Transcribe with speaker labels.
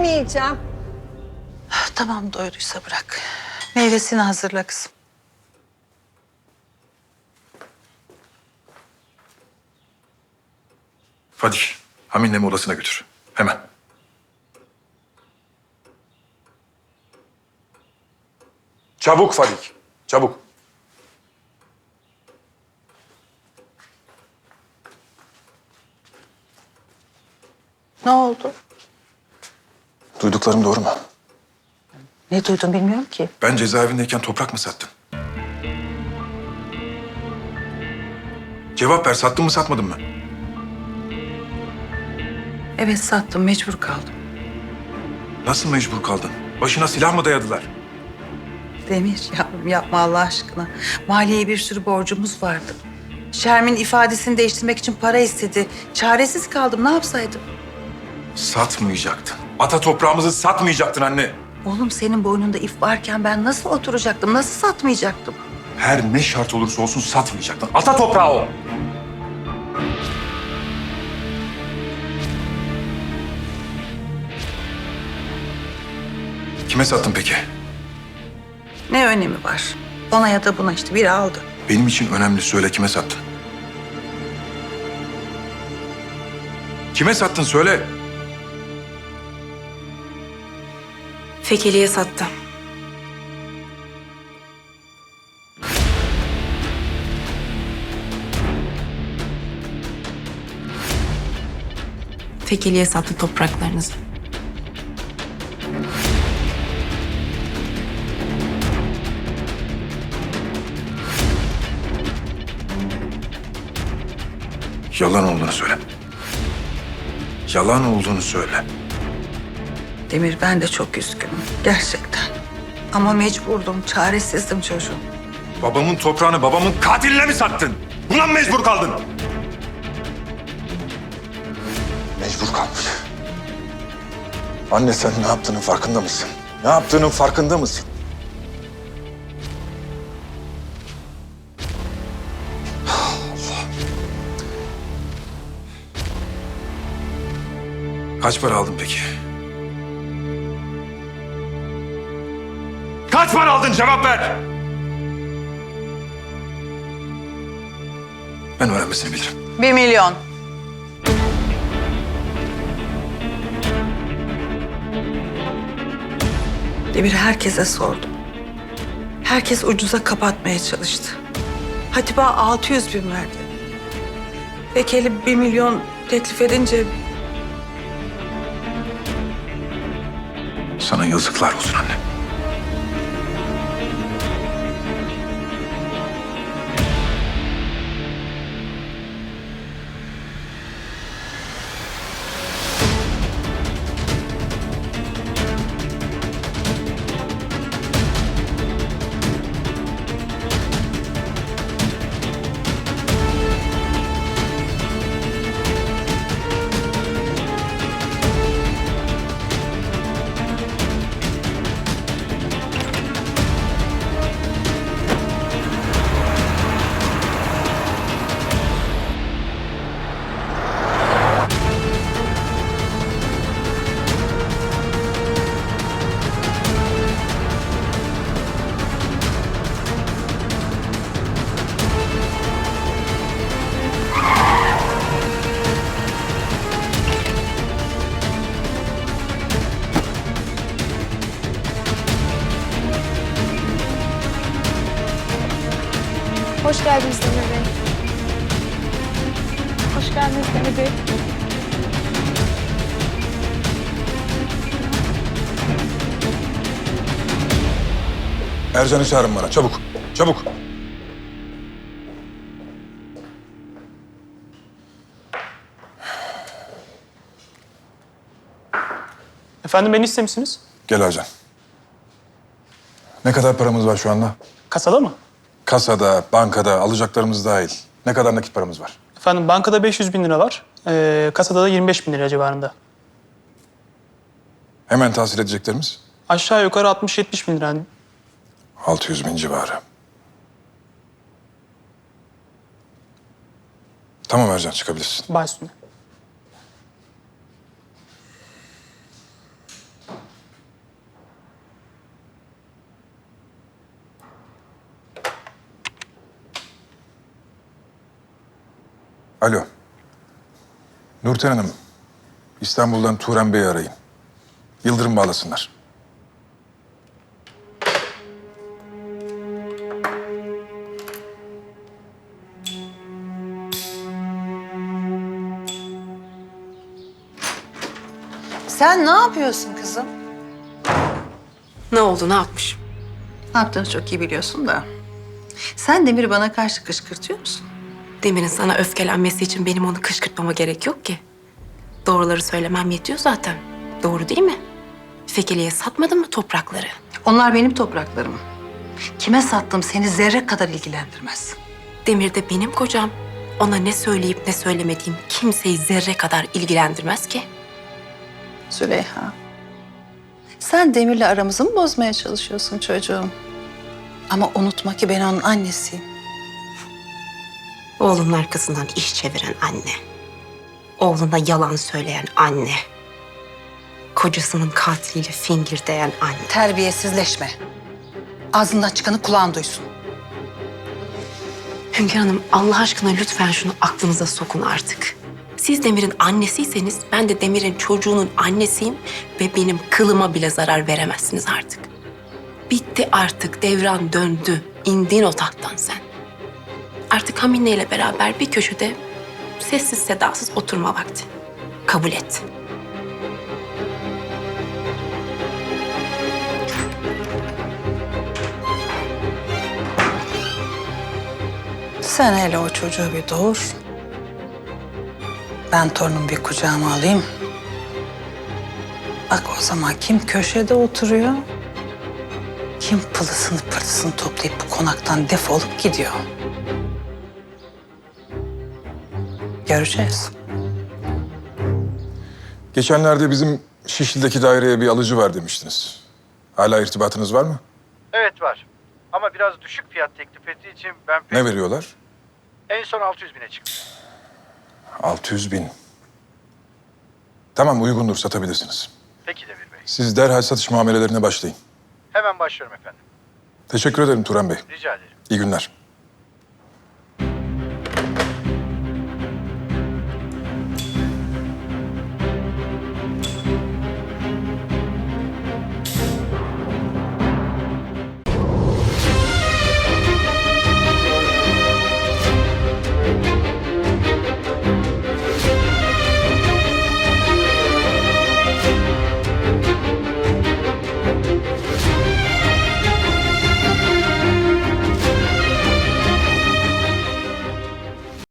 Speaker 1: yemeyeceğim.
Speaker 2: Tamam, doyduysa bırak. Meyvesini hazırla kızım.
Speaker 3: Fadik, Hamin'le odasına götür. Hemen. Çabuk Fadik, çabuk.
Speaker 2: Ne oldu?
Speaker 3: Duyduklarım doğru mu?
Speaker 2: Ne duydun bilmiyorum ki.
Speaker 3: Ben cezaevindeyken toprak mı sattın? Cevap ver, sattın mı satmadın mı?
Speaker 2: Evet, sattım, mecbur kaldım.
Speaker 3: Nasıl mecbur kaldın? Başına silah mı dayadılar?
Speaker 2: Demir, yavrum yapma Allah aşkına. Maliyeye bir sürü borcumuz vardı. Şermin ifadesini değiştirmek için para istedi. Çaresiz kaldım, ne yapsaydım?
Speaker 3: Satmayacaktın. Ata toprağımızı satmayacaktın anne.
Speaker 2: Oğlum senin boynunda ip varken ben nasıl oturacaktım, nasıl satmayacaktım?
Speaker 3: Her ne şart olursa olsun satmayacaktın. Ata toprağı o. Kime sattın peki?
Speaker 2: Ne önemi var? Ona ya da buna işte biri aldı.
Speaker 3: Benim için önemli, söyle kime sattın? Kime sattın söyle.
Speaker 4: Fekeli'ye sattı. Fekeli'ye sattı topraklarınızı.
Speaker 3: Yalan olduğunu söyle. Yalan olduğunu söyle.
Speaker 2: Demir, ben de çok üzgünüm gerçekten. Ama mecburdum, çaresizdim çocuğum.
Speaker 3: Babamın toprağını babamın katiline mi sattın? Buna mı mecbur kaldın? Mecbur kalmış. Anne sen ne yaptığının farkında mısın? Ne yaptığının farkında mısın? Kaç para aldın peki? Kaç para aldın? Cevap ver! Ben öğrenmesini bilirim.
Speaker 2: 1 milyon. Demir, herkese sordum. Herkes ucuza kapatmaya çalıştı. Hatiba 600 bin verdi. Fekeli 1 milyon teklif edince
Speaker 3: Sana yazıklar olsun anne.
Speaker 5: Hoş geldiniz Demir Bey. Hoş geldiniz Demir Bey.
Speaker 3: Ercan'ı çağırın bana çabuk. Çabuk.
Speaker 6: Efendim beni istemişsiniz?
Speaker 3: Gel Ercan. Ne kadar paramız var şu anda?
Speaker 6: Kasada mı?
Speaker 3: Kasada, bankada, alacaklarımız dahil. Ne kadar nakit paramız var?
Speaker 6: Efendim bankada 500 bin lira var. Kasada da 25 bin lira civarında.
Speaker 3: Hemen tahsil edeceklerimiz?
Speaker 6: Aşağı yukarı 60-70 bin lira.
Speaker 3: 600 bin civarı. Tamam Ercan, çıkabilirsin.
Speaker 6: Baş üstüne.
Speaker 1: Alo. Nurten Hanım, İstanbul'dan Turan Bey'i arayın. Yıldırım bağlasınlar.
Speaker 2: Sen ne yapıyorsun kızım?
Speaker 4: Ne oldu, ne yapmış?
Speaker 2: Ne yaptığını çok iyi biliyorsun da. Sen Demir'i bana karşı kışkırtıyor musun?
Speaker 4: Demir'in sana öfkelenmesi için benim onu kışkırtmama gerek yok ki. Doğruları söylemem yetiyor zaten. Doğru değil mi? Fekeli'ye satmadın mı toprakları?
Speaker 2: Onlar benim topraklarım. Kime sattım seni zerre kadar ilgilendirmez.
Speaker 4: Demir de benim kocam. Ona ne söyleyip ne söylemediğim kimseyi zerre kadar ilgilendirmez ki.
Speaker 2: Züleyha, sen Demir'le aramızı mı bozmaya çalışıyorsun çocuğum? Ama unutma ki ben onun annesiyim.
Speaker 4: Oğlunun arkasından iş çeviren anne. Oğluna yalan söyleyen anne. Kocasının katiliyle fingirdeyen anne.
Speaker 2: Terbiyesizleşme. Ağzından çıkanı kulağın duysun.
Speaker 4: Hünkar Hanım, Allah aşkına lütfen şunu aklınıza sokun artık. Siz Demir'in annesiyseniz ben de Demir'in çocuğunun annesiyim ve benim kılıma bile zarar veremezsiniz artık. Bitti artık, devran döndü. İndin o tahttan sen. Artık Hamine ile beraber bir köşede sessiz sedasız oturma vakti. Kabul et.
Speaker 2: Sen hele o çocuğu bir doğur. Ben torunumu bir kucağıma alayım. Bak o zaman kim köşede oturuyor, kim pılısını pırtısını toplayıp bu konaktan defolup gidiyor. Göreceğiz.
Speaker 1: Geçenlerde bizim Şişli'deki daireye bir alıcı var demiştiniz. Hala irtibatınız var mı?
Speaker 7: Evet var. Ama biraz düşük fiyat teklif ettiği için ben
Speaker 1: Ne veriyorlar?
Speaker 7: en son 600 bine çıktı.
Speaker 1: 600 bin. Tamam, uygundur, satabilirsiniz.
Speaker 7: Peki Demir Bey.
Speaker 1: Siz derhal satış muamelelerine başlayın.
Speaker 7: Hemen başlıyorum efendim.
Speaker 1: Teşekkür ederim Turan Bey.
Speaker 7: Rica ederim.
Speaker 1: İyi günler.